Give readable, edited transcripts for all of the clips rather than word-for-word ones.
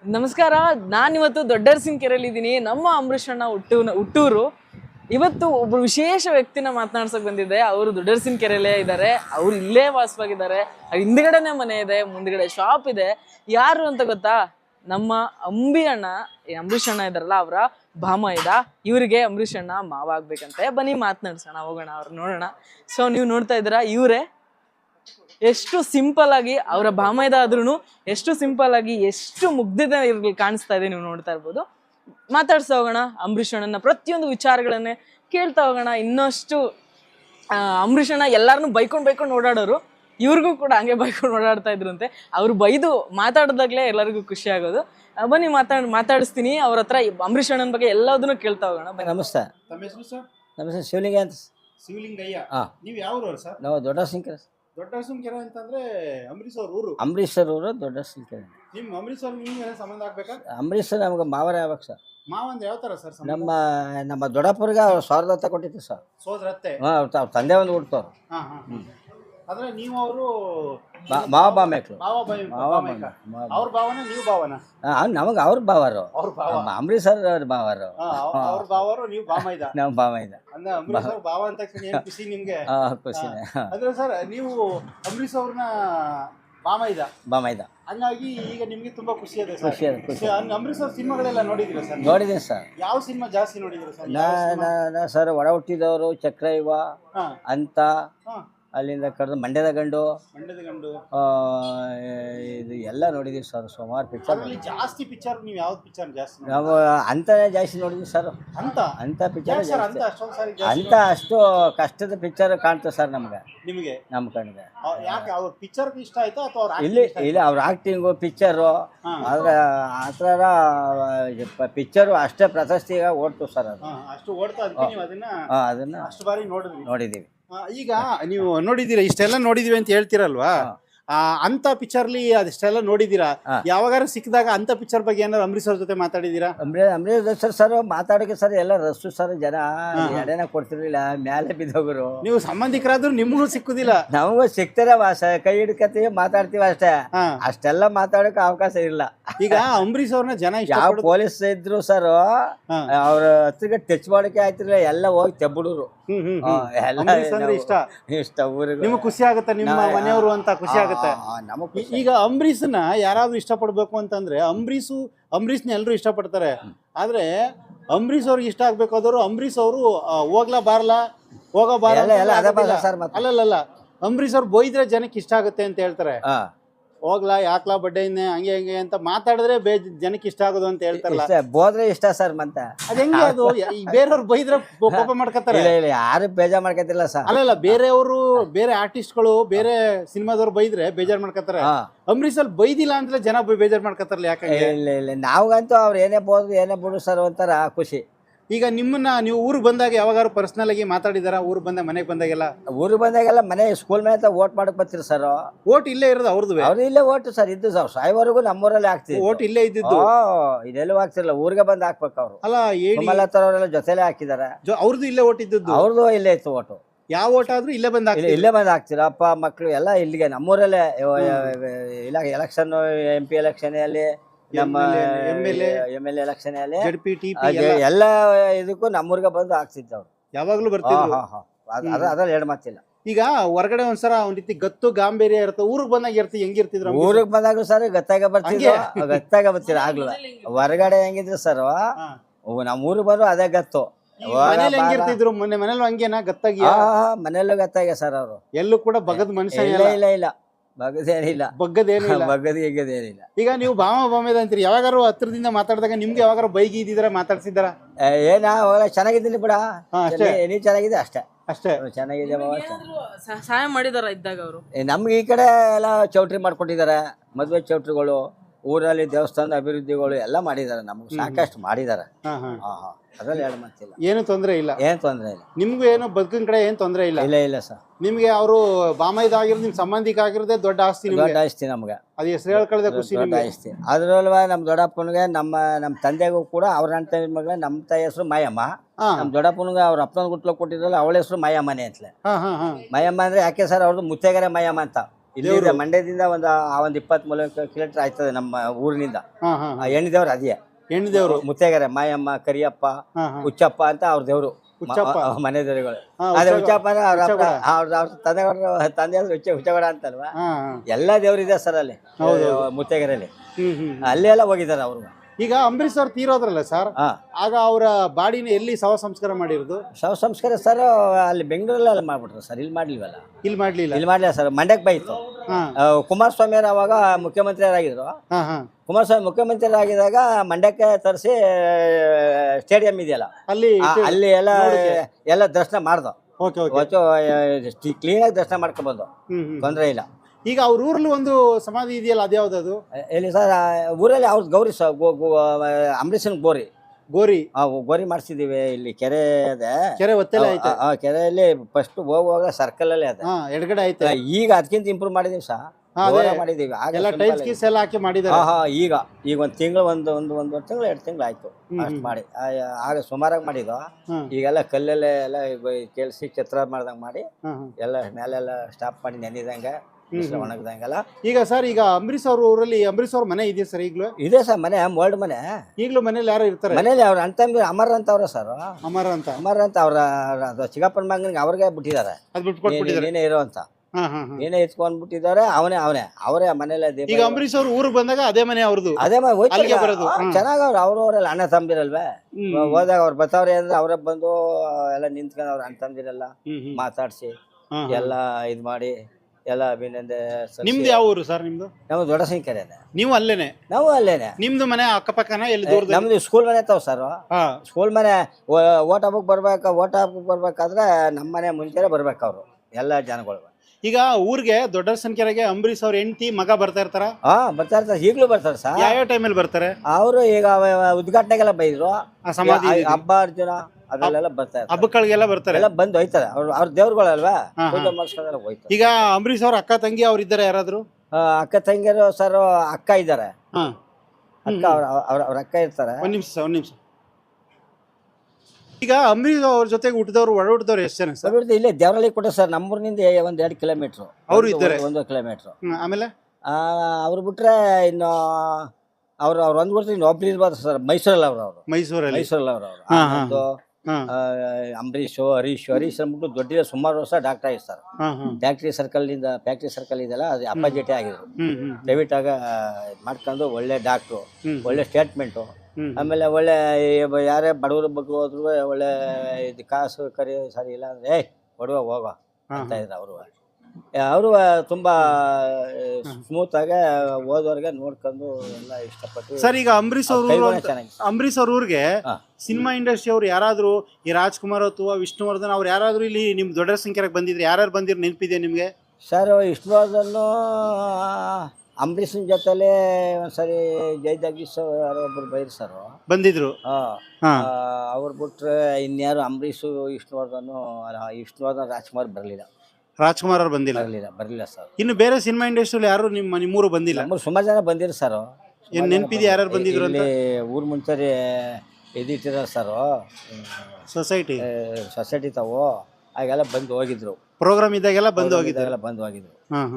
ನಮಸ್ಕಾರ. ನಾನಿವತ್ತು ದೊಡ್ಡರಸಿನ ಕೆರೆಯಲ್ಲಿ ಇದ್ದೀನಿ. ನಮ್ಮ ಅಂಬರೀಷ್ ಅಣ್ಣ ಹುಟ್ಟೂರು. ಇವತ್ತು ಒಬ್ರು ವಿಶೇಷ ವ್ಯಕ್ತಿನ ಮಾತನಾಡ್ಸಕ್ ಬಂದಿದ್ದೆ. ಅವರು ದೊಡ್ಡರಸಿನ ಕೆರೆಯಲ್ಲೇ ಇದ್ದಾರೆ. ಅವ್ರು ಇಲ್ಲೇ ವಾಸವಾಗಿದ್ದಾರೆ. ಹಿಂದ್ಗಡೆನೆ ಮನೆ ಇದೆ, ಮುಂದ್ಗಡೆ ಶಾಪ್ ಇದೆ. ಯಾರು ಅಂತ ಗೊತ್ತಾ? ನಮ್ಮ ಅಂಬರೀಷ್ ಅಣ್ಣ ಇದಾರಲ್ಲ, ಅವರ ಭಾಮ ಇದ. ಇವರಿಗೆ ಅಂಬರೀಷ್ ಅಣ್ಣ ಮಾವ ಆಗ್ಬೇಕಂತೆ. ಬನ್ನಿ ಮಾತನಾಡ್ಸೋಣ, ಹೋಗೋಣ, ಅವ್ರು ನೋಡೋಣ. ಸೊ ನೀವು ನೋಡ್ತಾ ಇದ್ದೀರಾ, ಇವರೇ ಎಷ್ಟು ಸಿಂಪಲ್ ಆಗಿ ಅವರ ಭಾಮೈದ ಆದ್ರೂ ಎಷ್ಟು ಸಿಂಪಲ್ ಆಗಿ ಎಷ್ಟು ಮುಗ್ಧತೆ ಇವ್ರಿಗೆ ಕಾಣಿಸ್ತಾ ಇದೆ. ನೀವು ನೋಡ್ತಾ ಇರ್ಬೋದು. ಮಾತಾಡ್ಸ್ತಾ ಹೋಗೋಣ ಅಂಬರೀಷ್ ಅಣ್ಣನ ಪ್ರತಿಯೊಂದು ವಿಚಾರಗಳನ್ನೇ ಕೇಳ್ತಾ ಹೋಗೋಣ. ಇನ್ನಷ್ಟು ಅಂಬರೀಷ್ ಅಣ್ಣ ಎಲ್ಲಾರನ್ನೂ ಬೈಕೊಂಡು ಓಡಾಡೋರು. ಇವ್ರಿಗೂ ಕೂಡ ಹಂಗೆ ಬೈಕೊಂಡು ಓಡಾಡ್ತಾ ಇದ್ರಂತೆ. ಅವ್ರು ಬೈದು ಮಾತಾಡಿದಾಗ್ಲೇ ಎಲ್ಲರಿಗೂ ಖುಷಿ ಆಗೋದು. ಬನ್ನಿ ಮಾತಾಡಿಸ್ತೀನಿ ಅವ್ರ ಹತ್ರ. ಅಂಬರೀಷ್ ಅಣ್ಣನ ಬಗ್ಗೆ ಎಲ್ಲದನ್ನು ಕೇಳ್ತಾ ಹೋಗೋಣ. ನಮಸ್ತೆ. ತಮ್ಮ ಹೆಸರು ಸರ್? ನಮ್ಮ ಹೆಸರು ಶಿವಲಿಂಗ ಅಂತ. ಶಿವಲಿಂಗಯ್ಯ. ನೀವು ಯಾವ್ರವ್ರು ಸರ್? ನಾವು ದೊಡ್ಡರಸಿನಕೆರೆ. ದೊಡ್ಡರಸಿನಕೆರೆ ಅಂತಂದ್ರೆ ಅಂಬರೀಷ್ ಅವ್ರ ಊರು. ಅಂಬರೀಷ್ ಊರು ದೊಡ್ಡರಸಿನಕೆರೆ. ನಿಮ್ ಅಂಬರೀಷ್ ಅವ್ರ ನಿಮ್ಗೆ ಸಂಬಂಧ ಆಗ್ಬೇಕಾ? ಅಂಬರೀಷ್ ನಮ್ಗೆ ಮಾವರ ಯಾವಾಗ ಸರ್? ಮಾವ ಅಂದ್ರೆ ಯಾವ ತರ ಸರ್? ನಮ್ಮ ದೊಡ್ಡಪ್ಪರಿಗೆ ಅವ್ರು 1000 ಕೊಟ್ಟಿತ್ತು ಸರ್. ಸೋದರತ್ತೆ. ಅವ್ರ ತಂದೆ ಒಂದು ಹುಡ್ತವ್ರು. ಅಂದ್ರೆ ನೀವು ಅವರು ಮಾವ ಬಾಮೇಕ್ಳು. ಅವ್ರ ಭಾವನ ನೀವು ಭಾವನ? ನಮಗೆ ಅವ್ರ ಭಾವರು. ಅವ್ರ ಭಾವ ಅಂಬರೀಷ್ ಅವ್ರ ಭಾವರು. ಅವ್ರ ಭಾವರು ನೀವು ಭಾಮ ಇದ. ನಮ್ಮ ಭಾವ ಇದೆ. ಅಂದ್ರೆ ಅಂಬರೀಷ್ ಅವ್ರ ಭಾವ ಅಂತ ಏನ್ ಖುಷಿ ನಿಮ್ಗೆ? ಖುಷಿನೇ. ಅಂದ್ರೆ ಸರ್ ನೀವು ಅಂಬರೀಷ್ ಅವ್ರನ್ನ ಭಾಮ ಇದ. ಹಂಗಾಗಿ ಈಗ ನಿಮ್ಗೆ ತುಂಬಾ ಖುಷಿ ಇದೆ ಸರ್. ಅಂಬರೀಷ್ ಅವ್ರ ಸಿನಿಮಾಗಳೆಲ್ಲ ನೋಡಿದೀರಾ ಸರ್? ನೋಡಿದ್ದೀನಿ ಸರ್. ಯಾವ ಸಿನಿಮಾ ಜಾಸ್ತಿ ನೋಡಿದೀರಾ ಸರ್? ಸರ್ ಒಡ ಹುಟ್ಟಿದವರು, ಚಕ್ರಯುವ ಅಂತ, ಅಲ್ಲಿಂದ ಕರೆದು ಮಂಡ್ಯದ ಗಂಡು, ಇದು ಎಲ್ಲ ನೋಡಿದೀವಿ ಸರ್. ಸುಮಾರು ಪಿಕ್ಚರ್. ಜಾಸ್ತಿ ಪಿಕ್ಚರ್ ನೀವು ಯಾವ್ದು ಪಿಕ್ಚರ್ ಜಾಸ್ತಿ? ನಾವು ಅಂತಾನೆ ಜಾಸ್ತಿ ನೋಡಿದ್ವಿ ಸರ್. ಅಂತ ಪಿಕ್ಚರ್ ಅಂತ ಅಷ್ಟು ಕಷ್ಟದ ಪಿಕ್ಚರ್ ಕಾಣ್ತದೆ ಸರ್ ನಮ್ಗೆ. ನಿಮಗೆ? ನಮ್ಮ ಕಣ್ಣಿಗೆ. ಯಾಕೆ ಅವ್ರ ಪಿಕ್ಚರ್ ಇಷ್ಟ ಆಯ್ತಾ ಅಥವಾ ಇಲ್ಲ ಅವ್ರ ಆಕ್ಟಿಂಗು, ಪಿಕ್ಚರು, ಆದ್ರೆ ಆ ಥರ ಪಿಕ್ಚರು ಅಷ್ಟೇ ಪ್ರಶಸ್ತಿಗೆ ಓಡ್ತು ಸರ್. ಅದು ಅಷ್ಟು ಓಡ್ತಾ ಅದನ್ನ ಅಷ್ಟು ಬಾರಿ ನೋಡಿದ್ದೀವಿ. ಈಗ ನೀವು ನೋಡಿದೀರಾ, ಇಷ್ಟೆಲ್ಲ ನೋಡಿದೀವಿ ಅಂತ ಹೇಳ್ತೀರಲ್ವಾ? ಅಂತ ಪಿಕ್ಚರ್ಲಿ ಅದಿಷ್ಟೆಲ್ಲ ನೋಡಿದೀರಾ? ಯಾವಾಗಾರ ಸಿಕ್ಕಿದಾಗ ಅಂತ ಪಿಕ್ಚರ್ ಬಗ್ಗೆ ಏನಾದ್ರು ಅಂಬರೀಷ್ ಅವ್ರ ಜೊತೆ ಮಾತಾಡಿದೀರಾ? ಅಂಬರೀಷ್ ಸರ್ ಮಾತಾಡೋಕೆ ಸರ್ ಎಲ್ಲ ರಸ್ತು ಸರ್. ಜನ ಎಡೆನ ಕೊಡ್ತಿರ್ಲಿಲ್ಲ, ಮೇಲೆ ಬಿದ್ದೋಗರು. ನೀವು ಸಂಬಂಧಿಕರಾದ್ರೂ ನಿಮ್ಗೂ ಸಿಕ್ಕುದಿಲ್ಲ? ನಮಗೂ ಸಿಗ್ತಾರೆ, ಕೈ ಹಿಡ್ಕತೀವಿ, ಮಾತಾಡ್ತೀವಿ ಅಷ್ಟೇ. ಅಷ್ಟೆಲ್ಲ ಮಾತಾಡೋಕೆ ಅವಕಾಶ ಇಲ್ಲ. ಈಗ ಅಂಬರೀಷ್ ಅವ್ರನ್ನ ಜನ ಯಾವ ಪೊಲೀಸ್ ಇದ್ರು ಸರ್, ಅವ್ರ ಹತ್ರಗೆ ಟಚ್ ಮಾಡೋಕೆ ಆಯ್ತಿರ್ಲಿಲ್ಲ, ಎಲ್ಲ ಹೋಗಿ ತೆಬ್ಬುಡೂರು. ಇಷ್ಟ ಊರಿಗೆ. ನಿಮ್ಗೆ ಖುಷಿ ಆಗುತ್ತೆ ನಿಮ್ಮ ಮನೆಯವರು ಅಂತ? ಖುಷಿ ಆಗುತ್ತೆ. ಈಗ ಅಂಬರೀಷ್ನ ಯಾರಾದ್ರೂ ಇಷ್ಟಪಡ್ಬೇಕು ಅಂತಂದ್ರೆ ಅಂಬರೀಷ್ನ ಎಲ್ಲರೂ ಇಷ್ಟಪಡ್ತಾರೆ. ಆದ್ರೆ ಅಂಬರೀಷ್ ಅವ್ರಿಗೆ ಇಷ್ಟ ಆಗ್ಬೇಕಾದ್ರು ಅಂಬರೀಷ್ ಅವರು ಹೋಗ್ಲಾ ಬಾರ್ಲಾ ಅಲ್ಲಲ್ಲ, ಅಂಬರೀಷ್ ಅವ್ರು ಬೈದ್ರೆ ಜನಕ್ಕೆ ಇಷ್ಟ ಆಗುತ್ತೆ ಅಂತ ಹೇಳ್ತಾರೆ. ಹೋಗ್ಲಾ ಯಾಕ್ಲಾ ಬಡ್ಡೆನೆ ಹಂಗೆ ಹಂಗೆ ಅಂತ ಮಾತಾಡಿದ್ರೆ ಜನಕ್ಕೆ ಇಷ್ಟ ಆಗೋದು ಅಂತ ಹೇಳ್ತಾರಲ್ಲ, ಬೋದ್ರೆ ಇಷ್ಟ ಸರ್. ಮತ್ತೆ ಅದ್ ಹೆಂಗೆ ಅದು? ಬೇರೆಯವ್ರು ಬೈದ್ರೆ ಕೋಪ ಮಾಡ್ಕೊತಾರೆ. ಯಾರು ಬೇಜಾರ್ ಮಾಡ್ಕೊತಿಲ್ಲ ಸರ್. ಅಲ್ಲಲ್ಲ, ಬೇರೆ ಆರ್ಟಿಸ್ಟ್ಗಳು ಬೇರೆ ಸಿನಿಮಾದವ್ರು ಬೈದ್ರೆ ಬೇಜಾರ್ ಮಾಡ್ಕೊತಾರೆ. ಅಂಬರೀಷ್ ಅಲ್ಲಿ ಬೈದಿಲ್ಲ ಅಂದ್ರೆ ಜನ ಬೇಜಾರ್ ಮಾಡ್ಕೊತಾರಲ್ಲ, ಯಾಕೆ? ಇಲ್ಲ ನಾವ್ಗಂತೂ ಅವ್ರು ಏನೇ ಬೋದ್ರು ಏನೇ ಬಿಡು ಸರ್ ಒಂಥರ ಖುಷಿ. ಈಗ ನಿಮ್ಮನ್ನ ನೀವು ಊರಿಗೆ ಬಂದಾಗ ಯಾವಾಗಾರು ಪರ್ಸನಲ್ ಆಗಿ ಮಾತಾಡಿದಾರ? ಊರಿಗೆ ಮನೆಗೆ ಬಂದಾಗೆಲ್ಲ ಮನೆ ಸ್ಕೂಲ್ ಮೇಲೆ ಓಟ್ ಮಾಡಕ್ ಬರ್ತೀರಿ ಸರ್. ಓಟ್ ಇಲ್ಲೇ ಇರೋದು ಅವ್ರದ್ದು? ಅವ್ರು ಇಲ್ಲೇ ಓಟ್ ಸರ್ ಇದ್ದು ಸರ್. ಸಾಯವರೆಗೂ ನಮ್ಮೂರಲ್ಲೇ ಹಾಕ್ತಿವಿ. ಓಟ್ ಇಲ್ಲೇ ಇದ್ದಿದ್ದು? ಇದೆಲ್ಲೂ ಹಾಕ್ತಿರಲ್ಲ, ಊರಿಗೆ ಬಂದು ಹಾಕ್ಬೇಕು. ಅವ್ರು ಅಲ್ಲ ಸುಮಲತಾರವರೆಲ್ಲ ಜೊತೆಲೆ ಹಾಕಿದಾರೆ. ಅವ್ರದ್ದು ಇಲ್ಲೇ ಓಟ್ ಇದ್ದದ್ದು? ಅವ್ರದ್ದು ಇಲ್ಲೇ ಇತ್ತು ಓಟು. ಯಾವ ಓಟ್ ಆದ್ರೂ ಇಲ್ಲೇ ಬಂದು ಹಾಕ್ತಿರ. ಅಪ್ಪ ಮಕ್ಕಳು ಎಲ್ಲ ಇಲ್ಲಿಗೆ ನಮ್ಮೂರಲ್ಲೇ. ಎಲೆಕ್ಷನ್, MP ಎಲೆಕ್ಷನ್ ಅಲ್ಲಿ, ನಮ್ಮ MLA ಎಲೆಕ್ಷನ್ ಅಲ್ಲಿ, ಎಲ್ಲ ಇದಕ್ಕೂ ನಮ್ಮೂರ್ಗೆ ಬಂದು ಹಾಕ್ತಿದ್ದವ್ರು. ಯಾವಾಗ್ಲೂ ಬರ್ತಿದ್ರು. ಅದ್ರಲ್ಲಿ ಎರಡು ಮಾತಿಲ್ಲ. ಈಗ ಹೊರಗಡೆ ಒಂದ್ಸರ ಒಂದ್ ರೀತಿ ಗತ್ತು ಗಾಂಭೀರ್ಯ ಇರುತ್ತೆ. ಊರಿಗೆ ಬಂದಾಗ ಹೆಂಗಿರ್ತಿದ್ರು? ಊರಿಗೆ ಬಂದಾಗ ಸರ್ ಗತ್ತಾಗ ಬರ್ತೀರ ಆಗ್ಲೂ. ಹೊರಗಡೆ ಹೆಂಗಿದ್ರು ಸರ್, ನಮ್ಮ ಊರಿಗೆ ಬಂದ್ರು ಅದೇ ಗತ್ತು. ಮನೇಲಿ ಹೆಂಗಿರ್ತಿದ್ರು? ಮನೇಲಿ ಹಂಗೇನಾ ಗತ್ತಾಗಿ? ಮನೆಯಲ್ಲೂ ಗತ್ತಾಗ ಸರ್. ಅವರು ಎಲ್ಲೂ ಕೂಡ ಬಗದ್ ಮನುಷ್ಯ ಇಲ್ಲ ಬಗ್ಗದೇನಿಲ್ಲ. ಈಗ ನೀವು ಭಾಮದ ಅಂತೀರಿ. ಯಾವಾಗಾರು ಹತ್ರದಿಂದ ಮಾತಾಡಿದಾಗ ನಿಮ್ಗೆ ಯಾವಾಗಾರು ಬೈಗಿ ಇದ್ದಿದ್ರ, ಮಾತಾಡ್ಸಿದಾರ? ಏನ ಚೆನ್ನಾಗಿದ್ದೀನಿ ಬಿಡ, ನೀ ಚೆನ್ನಾಗಿದೆ ಅಷ್ಟೇ. ಚೆನ್ನಾಗಿದೆ. ಸಹಾಯ ಮಾಡಿದಾರ ಇದ್ದಾಗ ಅವರು? ನಮ್ಗೆ ಈ ಕಡೆ ಎಲ್ಲ ಚೌಟ್ರಿ ಮಾಡ್ಕೊಟ್ಟಿದ್ದಾರೆ. ಮದ್ವೆ ಚೌಟ್ರಿಗಳು, ಊರಲ್ಲಿ ದೇವಸ್ಥಾನದ ಅಭಿವೃದ್ಧಿಗಳು ಎಲ್ಲ ಮಾಡಿದ್ದಾರೆ. ನಮ್ಗೆ ಸಾಕಷ್ಟು ಮಾಡಿದ್ದಾರೆ. ಅದ್ರಲ್ಲಿ ಎರಡು ಮಾತಿಲ್ಲ. ಏನು ತೊಂದರೆ ಇಲ್ಲ? ನಿಮ್ಗೂ ಏನು ಬದುಕಿನ ಕಡೆ ಏನ್ ತೊಂದರೆ ಇಲ್ಲ? ಇಲ್ಲ ಸರ್. ನಿಮ್ಗೆ ಅವರು ಬಾಮೈದ ಆಗಿರೋದು, ನಿಮ್ ಸಂಬಂಧಿಕ ಆಗಿರೋದೇ ದೊಡ್ಡ ಆಸ್ತಿ. ನಮ್ಗೆ ಅದು ಹೆಸರು ಹೇಳ್ಕೊಳ್ಳದೆ ಖುಷಿ. ಆಸ್ತಿ ಅದ್ರಲ್ವ ನಮ್ಮ ದೊಡ್ಡಪ್ಪನಿಗೆ, ನಮ್ಮ ತಂದೆಗೂ ಕೂಡ ಅವ್ರ ಅಣ್ಣ ಮಗಳ ನಮ್ಮ ತಾಯಿ ಹೆಸರು ಮಾಯಮ್ಮ. ನಮ್ಮ ದೊಡ್ಡಪ್ಪನಿಗೆ ಅವ್ರ ಅಪ್ಪನ ಗುಟ್ಲ ಕೊಟ್ಟಿದ್ರಲ್ಲ, ಅವಳ ಹೆಸರು ಮಾಯಮ್ಮನೆ ಅಂತಲೇ. ಮಾಯಮ್ಮ ಅಂದ್ರೆ ಯಾಕೆ ಸರ್, ಅವ್ರದ್ದು ಮುತ್ತೆಗೆರೆ ಮಾಯಮ್ಮ ಅಂತ. ಇಲ್ಲಿಂದ ಮಂಡ್ಯದಿಂದ ಒಂದು 20 ಕಿಲೋಮೀಟರ್ ಆಯ್ತದೆ ನಮ್ಮ ಊರಿನಿಂದ. ಹಾ ಹಾ ಆ ಹೆಣ್ಣು ದೇವ್ರು ಅದೇ ಹೆಣ್ಣು ದೇವ್ರು. ಮುತ್ತೇಗರೆ ಮಾಯಮ್ಮ ಕರಿಯಪ್ಪ ಹಾ ಹಾ ಹುಚ್ಚಪ್ಪ ಅಂತ ಅವ್ರ ದೇವ್ರು ಹುಚ್ಚಪ್ಪ. ಮನೆ ದೇವರುಗಳು. ಹಾ, ಅದೇ ಹುಚ್ಚಪ್ಪ. ಹುಚ್ಚಪ್ಪ ಅಂದ್ರೆ ಹುಚ್ಚಗೌಡ. ಅವ್ರ ತಂದೆ ಹುಚ್ಚಗೌಡ ಅಂತಲ್ವಾ. ಹಾ ಹಾ ಎಲ್ಲ ದೇವ್ರಿದೆ ಸರ್ ಅಲ್ಲಿ ಮುತ್ತೇಗರಲ್ಲಿ. ಅಲ್ಲಿ ಎಲ್ಲ ಹೋಗಿದ್ದಾರೆ ಅವರು. ಈಗ ಅಂಬರೀಶ್ ಅವ್ರು ತೀರೋದ್ರಲ್ಲ ಸರ್, ಹಾ ಆಗ ಅವರ ಬಾಡಿನ ಎಲ್ಲಿ ಶವ ಸಂಸ್ಕಾರ ಮಾಡಿರೋದು? ಶವ ಸಂಸ್ಕಾರ ಸರ್ ಅಲ್ಲಿ ಬೆಂಗಳೂರಲ್ಲ ಮಾಡ್ಬಿಟ್ರು ಸರ್, ಇಲ್ಲಿ ಮಾಡ್ಲಿಲ್ವಲ್ಲ. ಇಲ್ಲಿ ಮಾಡ್ಲಿಲ್ಲ. ಇಲ್ಲಿ ಮಾಡ್ಲಿಲ್ಲ ಸರ್, ಮಂಡ್ಯಕ್ಕೆ ಬೈತು. ಹಾ ಕುಮಾರಸ್ವಾಮಿ ಅವರು ಅವಾಗ ಮುಖ್ಯಮಂತ್ರಿಯರಾಗಿದ್ರು. ಹಾ ಹಾ ಕುಮಾರಸ್ವಾಮಿ ಮುಖ್ಯಮಂತ್ರಿಯಾಗಿದ್ದಾಗ ಮಂಡ್ಯಕ್ಕೆ ತರಿಸಿ ಸ್ಟೇಡಿಯಂ ಇದೆಯಲ್ಲ ಅಲ್ಲಿ ಅಲ್ಲಿ ಎಲ್ಲ ದರ್ಶನ ಮಾಡ್ದು. Okay okay. ಕ್ಲೀನಾಗಿ ದರ್ಶನ ಮಾಡ್ಕೊಂಡ್ಬಂದು, ತೊಂದರೆ ಇಲ್ಲ. ಈಗ ಅವ್ರ ಊರ್ಲಿ ಒಂದು ಸಮಾಧಿ ಇದೆಯಲ್ಲ, ಅದ್ಯಾವ್ದದು? ಎಲ್ಲಿ ಸರ್ ಊರಲ್ಲಿ ಅವ್ರದ್ದು ಗೌರಿ ಅಂಬರೀಷನ್ ಗೋರಿ. ಗೋರಿ ಮಾಡಿಸಿದೀವಿ. ಇಲ್ಲಿ ಕೆರೆ ಇದೆ, ಕೆರೆ ಒತ್ತೆಲೆ ಐತೆ. ಆ ಕೆರೆಯಲ್ಲಿ ಫಸ್ಟ್ ಹೋಗುವಾಗ ಸರ್ಕಲ್ ಅಲ್ಲಿ ಅದ. ಹಾ ಎಡಗಡೆ ಐತೆ. ಈಗ ಅದಕ್ಕಿಂತ ಇಂಪ್ರೂವ್ ಮಾಡಿದೀವಿ ಸರ್, ಮಾಡಿದೀವಿ. ಎಲ್ಲ ಟೈಲ್ಸ್ ಗೀಸ್ ಎಲ್ಲ ಹಾಕಿ ಮಾಡಿದ್ದಾರೆ. ಈಗ ಒಂದು ತಿಂಗಳು ಒಂದೂವರೆ ತಿಂಗಳು 2 ತಿಂಗಳು ಆಯ್ತು ಅಷ್ಟು ಮಾಡಿ. ಆಗ ಸುಮಾರಾಗಿ ಮಾಡಿದ್ವು. ಈಗೆಲ್ಲ ಕಲ್ಲಲ್ಲೇ ಎಲ್ಲ ಕೆಲ್ಸಿ ಚಿತ್ರ ಮಾಡ್ದಂಗೆ ಮಾಡಿ ಎಲ್ಲ ಮೇಲೆಲ್ಲ ಸ್ಟಾಪ್ ಮಾಡಿ ನೆನೆದಂಗೆ ಒಣಗ್ದಂಗೆಲ್ಲ. ಈಗ ಸರ್, ಈಗ ಅಂಬರೀಶ್ ಅವ್ರ ಊರಲ್ಲಿ ಅಂಬರೀಶ್ ಅವ್ರ ಮನೆ ಇದೆಯಾ ಸರ್? ಈಗಲೂ ಇದೆ ಸರ್ ಮನೆ, ಮೋಲ್ಡ್ ಮನೆ. ಈಗಲೂ ಮನೇಲಿ ಯಾರು ಇರ್ತಾರೆ? ಮನೇಲಿ ಅವ್ರ ಅಣ್ಣ ಅಮರ್ ಅಂತ ಅವ್ರ ಸರ್, ಅಮರ್ ಅಂತ ಅವ್ರ ಚಿಕ್ಕಪ್ಪನ ಮಗನಿಗೆ ಅವ್ರಿಗೆ ಬಿಟ್ಟಿದ್ದಾರೆ. ಅದ್ ಬಿಟ್ಕೊಟ್ಬಿಟ್ಟಿದ್ದಾರೆ. ನೀನೇ ಇರೋ ಅಂತ ಏನೇ ಇಸ್ಕೊಂಡ್ ಬಿಟ್ಟಿದ್ದಾರೆ. ಅವರೇ ಮನೇಲಿ. ಈಗ ಅಂಬರೀಶ್ ಅವ್ರ ಊರಿಗೆ ಬಂದಾಗ ಅದೇ ಮನೆ ಅವ್ರದ್ದು, ಅದೇ ಅಲ್ಲಿಗೆ ಬರೋದು. ಚೆನ್ನಾಗವ್ರು ಅವ್ರವರೆಲ್ಲ ಅಣ್ಣ ತಮ್ದಿರಲ್ವೇ. ಹೋದಾಗ ಅವ್ರು ಬರ್ತಾವ್ರೆ ಅಂದ್ರೆ ಅವರೇ ಬಂದು ಎಲ್ಲ ನಿಂತ್ಕೊಂಡು ಅವ್ರ ಅಣ್ಣ ತಮ್ದಿರೆಲ್ಲ ಮಾತಾಡ್ಸಿ ಎಲ್ಲ ಇದ್ ಮಾಡಿ ಎಲ್ಲ ಅಭಿನಂದನೆ. ನಿಮ್ದು ಯಾವ ಊರು ಸರ್? ನಿಮ್ದು? ನಮ್ಮ ದೊಡ್ಡಸಿಂಕೆರೆನೆ. ನೀವು ಅಲ್ಲೇನೆ? ನಾವು ಅಲ್ಲೇನೆ. ನಿಮ್ದು ಮನೆ ಅಕ್ಕಪಕ್ಕನ? ಎಲ್ಲಿ ದೂರ? ನಮ್ದು ಸ್ಕೂಲ್ ಮನೆ ತಾವ್ ಸರ್. ಸ್ಕೂಲ್ ಮನೆ. ಓಟ್ ಹಬ್ಬಕ್ಕೆ ಬರ್ಬೇಕಾದ್ರೆ ನಮ್ಮ ಮನೆ ಮುಂಚೆನೆ ಬರ್ಬೇಕು ಅವರು ಎಲ್ಲ ಜನಗಳು. ಈಗ ಊರಿಗೆ ದೊಡ್ಡಸಿಂಕೆರೆಗೆ ಅಂಬರೀಶ್ ಅವ್ರ ಹೆಂಡತಿ ಮಗ ಬರ್ತಾ ಇರ್ತಾರ? ಬರ್ತಾ ಇರ್ತಾರೆ, ಈಗಲೂ ಬರ್ತಾರೆ ಸರ್. ಯಾವ ಟೈಮಲ್ಲಿ ಬರ್ತಾರೆ ಅವರು? ಈಗ ಉದ್ಘಾಟನೆಗೆಲ್ಲ ಬೈದ್ರು, ಸಮಾಧಿ ಹಬ್ಬ ಅರ್ಜುನ ಅದರಲ್ಲೆಲ್ಲ ಬರ್ತಾರೆ, ಹಬ್ಬಗಳಿಗೆಲ್ಲ ಬರ್ತಾರೆ. ಎಲ್ಲ ಬಂದು ಹೋಯ್ತಾರೆ. ಅವ್ರ ದೇವ್ರುಗಳಲ್ವಾ, ಪೂಜೆ ಮಾಡಿಸ್ಕೊಂಡೆಲ್ಲ ಹೋಯ್ತಾರೆ. ಈಗ ಅಂಬರೀಶ್ ಅವ್ರ ಅಕ್ಕ ತಂಗಿ ಅವ್ರು ಇದ್ದಾರೆ ಯಾರಾದ್ರು? ಅಕ್ಕ ತಂಗಿಯರು ಸರ್ ಅಕ್ಕ ಇದ್ದಾರೆ. ಅಕ್ಕ ಅವ್ರ ಅಕ್ಕ ಇರ್ತಾರೆ. ಒಂದ್ ನಿಮಿಷ. ಈಗ ಅಂಬರೀಶ್ ಅವ್ರ ಜೊತೆಗೆ ಹುಟ್ಟಿದವ್ರು ಒಡ ಹುಟ್ಟಿದವ್ರು ಎಷ್ಟು ಜನ ಸರ್? ಇಲ್ಲೇ ದೇವರಳ್ಳಿ ಕೊಟ್ಟ ಸರ್, ನಮ್ಮೂರಿನಿಂದ 1-2 ಕಿಲೋಮೀಟರ್ ಅವರು ಇದ್ದಾರೆ. 1 ಕಿಲೋಮೀಟರ್. ಆಮೇಲೆ ಅವ್ರು ಬಿಟ್ರೆ ಇನ್ನು ಅವ್ರು ಒಂದು ಬಿಟ್ರೆ ಇನ್ನು ಒಬ್ರು ಇರ್ಬೋದು ಸರ್, ಮೈಸೂರಲ್ಲಿ ಮೈಸೂರಲ್ಲಿ ಅವರು ಅಂಬರೀಶ್ ಹರೀಶ್ ಅಂದ್ಬಿಟ್ಟು ದೊಡ್ಡ ಸುಮಾರು ವರ್ಷ ಡಾಕ್ಟರ್ ಆಗಿರ್ತಾರೆ. ಫ್ಯಾಕ್ಟ್ರಿ ಸರ್ಕಲ್ ಇದೆಲ್ಲ ಅದು ಅಪ್ಪಾಜಿಟಿ ಆಗಿದ್ರು. ಪ್ರೈವೇಟ್ ಆಗ ಮಾಡ್ಕೊಂಡು ಒಳ್ಳೆ ಡಾಕ್ಟ್ರು, ಒಳ್ಳೆ ಸ್ಟೇಟ್ಮೆಂಟು. ಆಮೇಲೆ ಒಳ್ಳೆ ಯಾರೇ ಬಡವ್ರ ಬಗ್ಗೆ ಹೋದ್ರು ಒಳ್ಳೆ ಇದು ಕಾಸು ಕರಿ ಸರಿ ಇಲ್ಲ ಅಂದ್ರೆ ಬಡವ ಹೋಗೋ ಅಂತ ಇದ್ರು ಅವರು ತುಂಬಾ ಸ್ಮೂತ್ ಆಗಿ ಓದೋರ್ಗೆ ನೋಡ್ಕೊಂಡು ಎಲ್ಲ ಇಷ್ಟಪಟ್ಟು. ಸರ್, ಈಗ ಅಂಬರೀಶ್ ಅವ್ರ ಊರಿಗೆ ಸಿನಿಮಾ ಇಂಡಸ್ಟ್ರಿ ಅವ್ರು ಯಾರಾದ್ರು, ಈ ರಾಜ್ಕುಮಾರ್ ಅಥವಾ ವಿಷ್ಣುವರ್ಧನ್ ಅವ್ರು ಯಾರಾದ್ರೂ ಇಲ್ಲಿ ನಿಮ್ ದೊಡ್ಡಸಿಂಕೆರೆಗೆ ಬಂದಿದ್ರೆ ಯಾರು ಬಂದಿರೋ ನೆನಪಿದೆ ನಿಮ್ಗೆ? ಸರ್ ವಿಷ್ಣುವರ್ಧನ್ ಅಂಬರೀಷನ್ ಜೊತೆಲೆ ಒಂದ್ಸರಿ ಜಯಜಗದೀಶ್ ಒಬ್ರು ಬೈರ್ ಸರ್ ಬಂದಿದ್ರು. ಅವ್ರು ಬಿಟ್ರೆ ಇನ್ಯಾರು ಅಂಬರೀಷ್ ವಿಷ್ಣುವರ್ಧನ್ ರಾಜ್ಕುಮಾರ್ ರಾಜ್ಕುಮಾರ್ ಅವ್ರು ಬರ್ಲಿಲ್ಲ ಸರ್. ಇನ್ನು ಬೇರೆ ಸಿನಿಮಾ ಇಂಡಸ್ಟ್ರಿಯಲ್ಲಿ ಯಾರು ನಿಮ್ಮೂರು ಬಂದಿಲ್ಲ? ಸುಮಾರು ಜನ ಬಂದಿರು ಸರ್. ಏನ್ ನೆನಪಿದೆ ಯಾರು ಬಂದಿದ್ರು ಅಂತ? ಊರ್ ಮುಂಚೆ ಇದಿಟ್ಟಿರ ಸರ್, ಸೊಸೈಟಿ ತಾವು ಆಗೆಲ್ಲ ಬಂದು ಹೋಗಿದ್ರು. ಪ್ರೋಗ್ರಾಮ್ ಇದ್ದಾಗೆಲ್ಲ ಬಂದು ಹೋಗಿದ್ರು.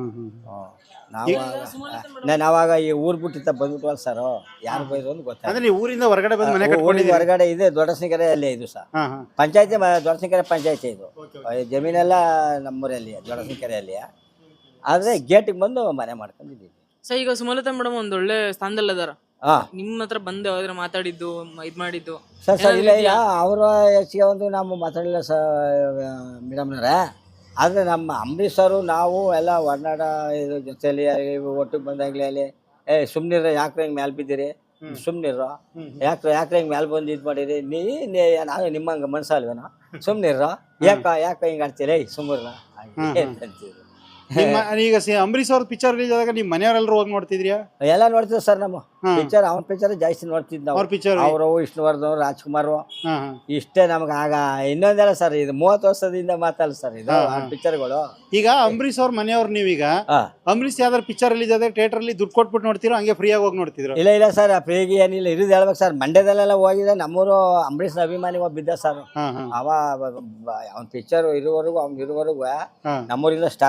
ನಾವಾಗ ಈ ಊರ್ ಬಿಟ್ಟಿತ್ತ ಬಂದ್ಬಿಟ್ವಲ್ಲ ಸರ್, ಯಾರು ಬೈದ್ರು ಅಂತ ಗೊತ್ತಾಗ ಊರಿಂದ ಹೊರಗಡೆ ಬಂದು ಮನೆ ಕಟ್ಕೊಂಡಿದ್ದೀರಿ? ಹೊರಗಡೆ ಇದೆ ದೊಡ್ಡಸಿಂಕೆರೆ ಅಲ್ಲೇ ಇದು ಸರ್. ಪಂಚಾಯತಿ ದೊಡ್ಡಸಿಂಕೆರೆ ಪಂಚಾಯತಿ ಇದು. ಜಮೀನೆಲ್ಲ ನಮ್ಮೂರಲ್ಲಿ ದೊಡ್ಡಸಿಂಕೆರೆಯಲ್ಲಿ. ಆದ್ರೆ ಗೇಟಿಗೆ ಬಂದು ಮನೆ ಮಾಡ್ಕೊಂಡಿದ್ದೀವಿ ಸರ್. ಈಗ ಸುಮಲತಾ ಮೇಡಮ್ ಒಂದ್ ಒಳ್ಳೆ ಸ್ಥಾನದಲ್ಲಿ ಅದಾರ, ನಿಮ್ಮ ಹತ್ರ ಬಂದು ಯಾವ್ದಾರ ಮಾತಾಡಿದ್ದು ಇದ್ ಮಾಡಿದ್ದು? ಸರ್ ಇಲ್ಲ ಅವ್ರ ಹೆಚ್ಚಿಗೆ ಒಂದು ನಾವು ಮಾತಾಡಲಿಲ್ಲ ಸರ್ ಮೇಡಮ್ನವ್ರೆ. ಆದರೆ ನಮ್ಮ ಅಂಬರೀಶ್ ಅವರು ನಾವು ಎಲ್ಲ ಒಡನಾಡ ಇದ್ರ ಜೊತೆಯಲ್ಲಿ ಒಟ್ಟಿಗೆ ಬಂದಾಗಲೇ ಅಲ್ಲಿ ಸುಮ್ಮನಿರ ಯಾಕ್ರೆ ಹಿಂಗೆ ಮ್ಯಾಲೆ ಬಿದ್ದೀರಿ, ಸುಮ್ಮನಿರ ಯಾಕ್ರೆ ಹಿಂಗೆ ಮ್ಯಾಲೆ ಬಂದು ಇದು ಮಾಡಿರಿ, ನಾನು ನಿಮ್ಮಂಗೆ ಮನ್ಸಲ್ವೇನೋ ಸುಮ್ಮನಿರ, ಯಾಕ ಹಿಂಗೆ ಆಡ್ತೀರಿ ಸುಮ್ಮನಿರ ಅಂತೀವಿ. ಈಗ ಅಂಬರೀಶ್ ಅವ್ರ ಪಿಕ್ಚರ್ ರಿಲೀಸ್ ಆದಾಗ ನಿಮ್ಮ ಮನೆಯವರೆಲ್ಲರೂ ಹೋಗಿ ನೋಡ್ತಿದ್ರಿಯಾ? ಎಲ್ಲ ನೋಡ್ತೀವಿ ಸರ್. ನಮ್ಮ ಪಿಕ್ಚರ್ ಅವ್ರ ಪಿಕ್ಚರ್ ಜಾಸ್ತಿ ನೋಡ್ತಿದ್ ನಾವು. ಅವರು ವಿಷ್ಣುವರ್ಧನ್, ರಾಜ್ಕುಮಾರ್ ಇಷ್ಟೇ ನಮ್ಗೆ. ಆಗ ಇನ್ನೊಂದೆಲ್ಲ ಸರ್, ಇದು 30 ವರ್ಷದಿಂದ ಮಾತಲ್ಲ ಸರ್ ಇದು ಪಿಕ್ಚರ್ಗಳು. ಈಗ ಅಂಬರೀಶ್ ಅವ್ರ ಮನೆಯವ್ರು ನೀವೀಗ ಅಂಬರೀಶ್ ಯಾವ್ದಾರು ಪಿಕ್ಚರ್ ರಿಲೀಸ್ ಆದ್ರೆ ಥಿಯೇಟರ್ ಅಲ್ಲಿ ದುಡ್ಡು ಕೊಟ್ಬಿಟ್ಟು ನೋಡ್ತೀರೋ, ಹಂಗೆ ಫ್ರೀಯಾಗಿ ಹೋಗಿ ನೋಡ್ತಿದ್ರು? ಇಲ್ಲ ಸರ್, ಫ್ರೀಗೆ ಏನಿಲ್ಲ, ಇರೋದು ಹೇಳ್ಬೇಕು ಸರ್. ಮಂಡ್ಯದಲ್ಲೆಲ್ಲ ಹೋಗಿದೆ. ನಮ್ಮೂರು ಅಂಬರೀಶ್ ಅಭಿಮಾನಿ ಒಬ್ಬ ಬಿದ್ದ ಸರ್. ಅವ್ನ ಪಿಕ್ಚರ್ ಇರುವವರೆಗೂ ನಮ್ಮೂರಿಂದ ಸ್ಟಾರ್ ಮಾಡ್ಕೊ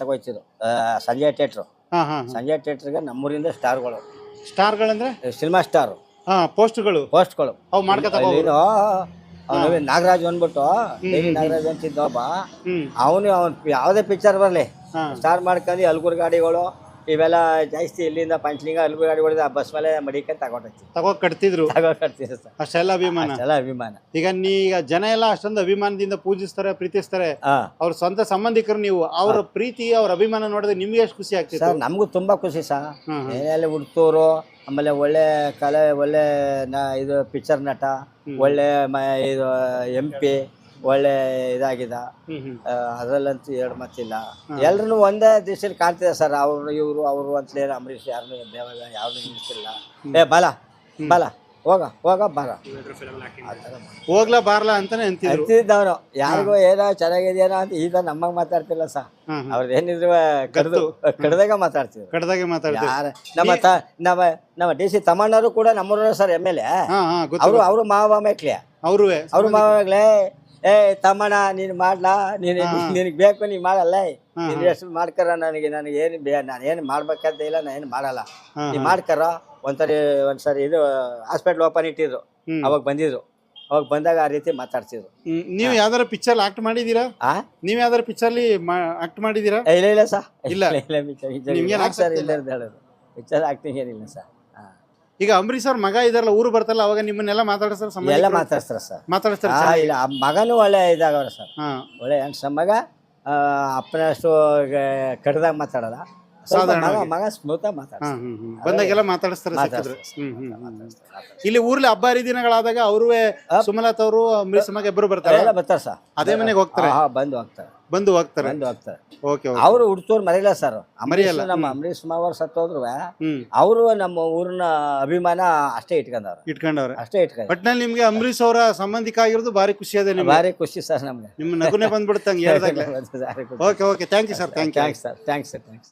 ಹೋಗ್ತಿದ್ರು ಸಂಜಯ್ ಥಿಯೇಟ್ರು. ಹಾ ಹಾ ಸಂಜಯ್ ಥಿಯೇಟ್ರಿಗೆ ನಮ್ಮೂರಿಂದ ಸ್ಟಾರ್ಗಳು, ಸ್ಟಾರ್ಗಳಂದ್ರೆ ಸಿನಿಮಾ ಸ್ಟಾರು ಹಾ ಪೋಸ್ಟ್ಗಳು ಪೋಸ್ಟ್ಗಳು. ಅವು ಮಾಡ್ಕೊತಾ ನೀನು ನಾಗರಾಜ್ ಅಂದ್ಬಿಟ್ಟು ನಾಗರಾಜ್ ಅಂತಿದ್ದ ಒಬ್ಬ, ಅವನು ಯಾವುದೇ ಪಿಕ್ಚರ್ ಬರಲಿ ಸ್ಟಾರ್ ಮಾಡ್ಕೊಂಡು ಹಲ್ಗೂರು ಗಾಡಿಗಳು ಇವೆಲ್ಲ ಜಾಸ್ತಿ ಇಲ್ಲಿಂದ ಪಂಚಲಿಂಗ ಹಲ್ಗೂರು ಗಾಡಿಗಳು ಬಸ್ ಮೇಲೆ ಮಡಿಕೊಂಡು ತಗೋ ಕಟ್ತಿದ್ರು ತಗೊಂಡ್ಕಡ್ತೀವಿ ಸರ್. ಅಷ್ಟೆಲ್ಲ ಅಭಿಮಾನ. ಅಷ್ಟೆಲ್ಲ ಅಭಿಮಾನ. ಈಗ ಜನ ಎಲ್ಲ ಅಷ್ಟೊಂದು ಅಭಿಮಾನದಿಂದ ಪೂಜಿಸ್ತಾರೆ, ಪ್ರೀತಿಸ್ತಾರೆ. ಅವ್ರ ಸ್ವಂತ ಸಂಬಂಧಿಕರು ನೀವು, ಅವ್ರ ಪ್ರೀತಿ ಅವ್ರ ಅಭಿಮಾನ ನೋಡಿದ್ರೆ ನಿಮ್ಗೆ ಎಷ್ಟು ಖುಷಿ ಆಗ್ತಿದೆ ಸರ್? ನಮಗೂ ತುಂಬಾ ಖುಷಿ ಸರ್. ಏನೆಲ್ಲ ಹುಡ್ತೂರು, ಆಮೇಲೆ ಒಳ್ಳೆ ಕಲೆ, ಒಳ್ಳೆ ಇದು ಪಿಕ್ಚರ್ ನಟ, ಒಳ್ಳೆ ಇದು MP, ಒಳ್ಳೆ ಇದಾಗಿದ. ಅದರಲ್ಲಂತೂ ಎರಡು ಮತ್ತಿಲ್ಲ. ಎಲ್ರು ಒಂದೇ ದಿವಸದಲ್ಲಿ ಕಾಣ್ತಿದೆ ಸರ್. ಅವರು ಇವರು ಅವರು ಅಂತಲೇ ಅಂಬರೀಷ್ ಯಾರನ್ನೂ ದೇವಾಗ ಯಾವ್ದು ನಿಲ್ಲಿಸಿಲ್ಲ. ಬಾಲ ಬಾಲ ಹೋಗ ಹೋಗ ಬಾರ ಹೋಗ್ಲಾ ಬಾರ್ಲಾ ಅಂತಾನೆ ಅಂತಿದ್ದವನು. ಯಾರಿಗೂ ಏನೋ ಚೆನ್ನಾಗಿದೆಯೇನೋ ಅಂತ ಈಗ ನಮ್ಮಂಗೆ ಮಾತಾಡ್ತಿಲ್ಲ ಸರ್. ಅವ್ರದ್ದು ಏನಿದ್ರು ಕಡ್ದಾಗ ಮಾತಾಡ್ತಿದ್ರು. ಕಡ್ದಾಗೆ ಮಾತಾಡ್ತೀವಿ. ನಮ್ಮ DC ತಮ್ಮಣ್ಣರು ಕೂಡ ನಮ್ಮೂರ ಸರ್ MLA. ಅವರು ಮಾವ ಮೇಕ್ಲೆ, ಅವ್ರು ಮಾವ ಮೇಕ್ಲೆ. ತಮ್ಮಣ್ಣ ನೀನು ಮಾಡ್ಲಾ, ನಿನಗೆ ಬೇಕು ನೀನು ಮಾಡಲ್ಲ, ನೀನು ಎಷ್ಟು ಮಾಡ್ಕರ, ನನಗೆ ಏನು ನಾನು ಏನು ಮಾಡ್ಬೇಕಂತ ಇಲ್ಲ, ನಾನು ಏನು ಮಾಡಲ್ಲ, ನೀನು ಮಾಡ್ಕರ. ಒಂದ್ಸರಿ ಇದು ಹಾಸ್ಪಿಟ್ಲ್ ಓಪನ್ ಇಟ್ಟಿದ್ರು, ಅವಾಗ ಬಂದಿದ್ರು. ಅವಾಗ ಬಂದಾಗ ಆ ರೀತಿ ಮಾತಾಡ್ತಿದ್ರು. ನೀವು ಯಾವ್ದಾರ ಪಿಕ್ಚರ್ ಆಕ್ಟ್ ಮಾಡಿದೀರಾ? ನೀವು ಯಾವ್ದಾರ ಪಿಕ್ಚರ್ಲಿ ಆಕ್ಟ್ ಮಾಡಿದೀರಾ? ಇಲ್ಲ ಸರ್, ಇಲ್ಲ ಸರ್, ಇಲ್ಲ ಹೇಳೋದು ಪಿಕ್ಚರ್ ಆಕ್ಟಿಂಗ್ ಏನಿಲ್ಲ ಸರ್. ಈಗ ಅಂಬರೀಷ್ ಅವ್ರ ಮಗ ಇದಾರಲ್ಲ, ಊರು ಬರ್ತಾರಲ್ಲ, ಅವಾಗ ನಿಮ್ಮನ್ನೆಲ್ಲ ಮಾತಾಡ್ತಾರೆ? ಎಲ್ಲ ಮಾತಾಡ್ತಾರೆ ಸರ್. ಇಲ್ಲ, ಮಗನೂ ಒಳ್ಳೆ ಇದಾಗವ್ರ ಸರ್, ಒಳ್ಳೆ ಹೆಣ್ಸ ಮಗ. ಅಪ್ಪನಷ್ಟು ಕಡ್ದಾಗ ಮಾತಾಡಲ್ಲ, ಮಗ ಸ್ಮೂತ್ ಮಾತಾಡ್ತಾರೆ. ಬಂದಾಗೆಲ್ಲ ಮಾತಾಡಿಸ್ತಾರೆ. ಇಲ್ಲಿ ಊರ್ಲಿ ಹಬ್ಬ ಹರಿದಿನಗಳಾದಾಗ ಅವರು ಸುಮಲತಾ ಅವರು ಅಂಬರೀಷ್ ಮಗ ಇಬ್ಬರು ಬರ್ತಾರೆ ಸರ್. ಅದೇ ಮನೆಗೆ ಹೋಗ್ತಾರೆ, ಬಂದು ಹೋಗ್ತಾರೆ. ಅವರು ಹುಡ್ತೋರು ಮರೆಯಲ್ಲ ಸರ್. ಮರೆಯಲ್ಲ. ನಮ್ಮ ಅಂಬರೀಷ್ ಮಾವರು ಸತ್ತೋದ್ರು ಅವರು ನಮ್ಮ ಊರಿನ ಅಭಿಮಾನ ಅಷ್ಟೇ ಇಟ್ಕೊಂಡವ್ರೆ ಅಷ್ಟೇ. ಒಟ್ನಲ್ಲಿ ನಿಮ್ಗೆ ಅಂಬರೀಷ್ ಅವರ ಸಂಬಂಧಿಕ ಆಗಿರೋದು ಭಾರಿ ಖುಷಿ ಅದೇ, ಭಾರಿ ಖುಷಿ ಸರ್ ನಮ್ಗೆ. ನಿಮ್ಮ ನಗುನೆ ಬಂದ್ಬಿಡುತ್ತಂಗೆ. Okay thank you sir. Thanks sir.